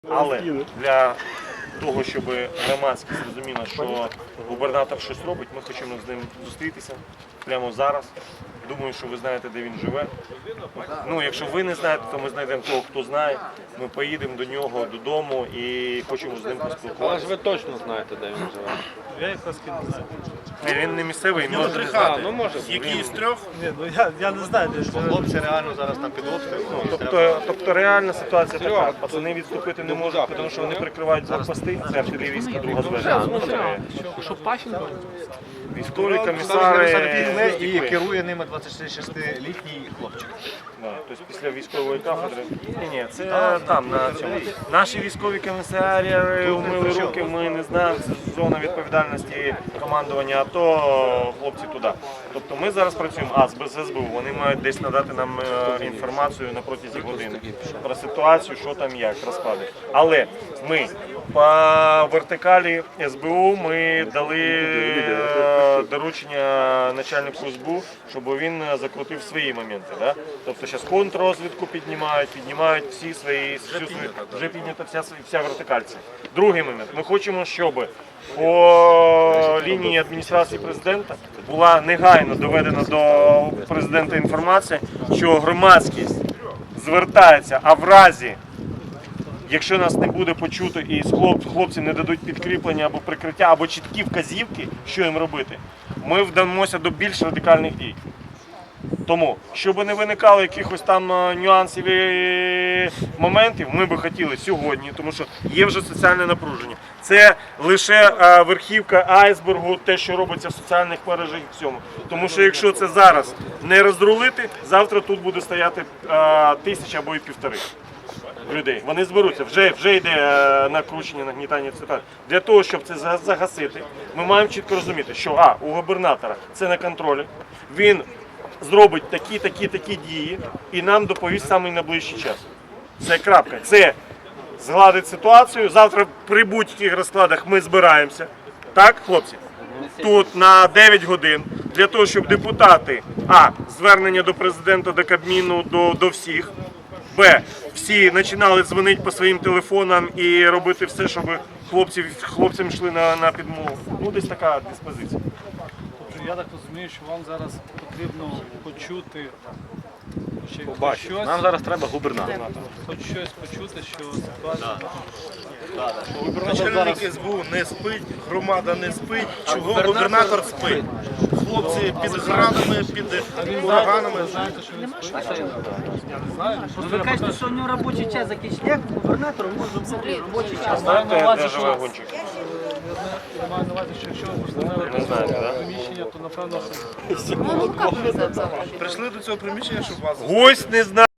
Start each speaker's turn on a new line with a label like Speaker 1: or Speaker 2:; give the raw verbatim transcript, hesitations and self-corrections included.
Speaker 1: Але для того, щоб громадськість зрозуміла, що губернатор щось робить, ми хочемо з ним зустрітися прямо зараз. Думаю, що ви знаєте, де він живе. Ну, якщо ви не знаєте, то ми знайдемо того, хто знає. Ми поїдемо до нього додому і хочемо з ним
Speaker 2: Але
Speaker 1: поспілкуватися.
Speaker 2: ж ви точно знаєте, де він живе.
Speaker 3: Я якраз не знаю.
Speaker 1: Він не місцевий,
Speaker 4: нього
Speaker 1: може
Speaker 4: три
Speaker 1: не
Speaker 4: хати.
Speaker 1: знати.
Speaker 2: Ну, може.
Speaker 4: Які з трьох?
Speaker 3: Ні, ну я, я не знаю, де живе.
Speaker 4: Хлопці реально зараз там під обстрілом.
Speaker 1: Тобто, тобто реальна ситуація така.
Speaker 2: Серйозно.
Speaker 1: Пацани відступити не
Speaker 2: Ну,
Speaker 1: можуть,
Speaker 2: так.
Speaker 1: тому що вони прикривають блокпости. Це артилерійська друга зведення.
Speaker 5: Що Пащенко?
Speaker 1: Військові
Speaker 4: Комісари
Speaker 1: комісари
Speaker 4: і керує ними двадцятишестилітній хлопчик.
Speaker 1: Да, тобто після військової кафедри. Ні, ні, це там, на цьому. Наші військові комісарі умили руки, ми не знаємо, це зона відповідальності командування АТО, хлопці туди. Тобто ми зараз працюємо, а з без ес бе у, вони мають десь надати нам е, інформацію на протязі години про ситуацію, що там як, розклади. Але ми по вертикалі ес бе у ми дали е, доручення начальнику ес бе у, щоб він закрутив свої моменти. Да? Тобто зараз контррозвідку піднімають, піднімають всі свої, всю свою, вже піднята вся, вся вертикальця. Другий момент. Ми хочемо, щоб по лінії адміністрації президента була негайно доведена до президента інформація, що громадськість звертається, а в разі, якщо нас не буде почуто і хлопці не дадуть підкріплення або прикриття, або чіткі вказівки, що їм робити, ми вдамося до більш радикальних дій. Тому, щоб не виникало якихось там нюансів і моментів, ми би хотіли сьогодні, тому що є вже соціальне напруження. Це лише верхівка айсбергу, те, що робиться в соціальних мережах і всьому. Тому що якщо це зараз не розрулити, завтра тут буде стояти тисяча або і півтори людей. Вони зберуться, вже, вже йде накручення, нагнітання ситуації. Для того, щоб це загасити, ми маємо чітко розуміти, що а, у губернатора це на контролі, він зробить такі, такі, такі дії і нам доповість саме найближчий час. Це крапка. Це згладить ситуацію. Завтра при будь-яких розкладах ми збираємося. Так, хлопці? Тут на дев'ять годин. Для того, щоб депутати, а, звернення до президента, до Кабміну, до, до всіх, б, всі починали дзвонити по своїм телефонам і робити все, щоб хлопці, хлопцям йшли на, на підмогу. Ну, десь така диспозиція.
Speaker 3: Я так розумію, що вам зараз потрібно почути чи
Speaker 2: Побачити.
Speaker 3: щось,
Speaker 4: Нам зараз треба губернатор.
Speaker 3: хоч щось почути, що ситуація.
Speaker 4: Начальник ес бе у не спить, громада не спить. Чого губернатор спить? Хлопці під градами, під ураганами.
Speaker 3: Знаєте, що він спить? Я не знаю.
Speaker 5: Ну, ви кажете, що у нього робочий час закінчений. Як губернатор може бути робочий час?
Speaker 1: Знаєте, де живе гончик?
Speaker 3: Я маю на увазі, що якщо ви постановили
Speaker 1: Не знаєте, так?
Speaker 3: приміщення, то напевно, що
Speaker 4: Прийшли до цього приміщення, щоб вас
Speaker 1: Гость не знає.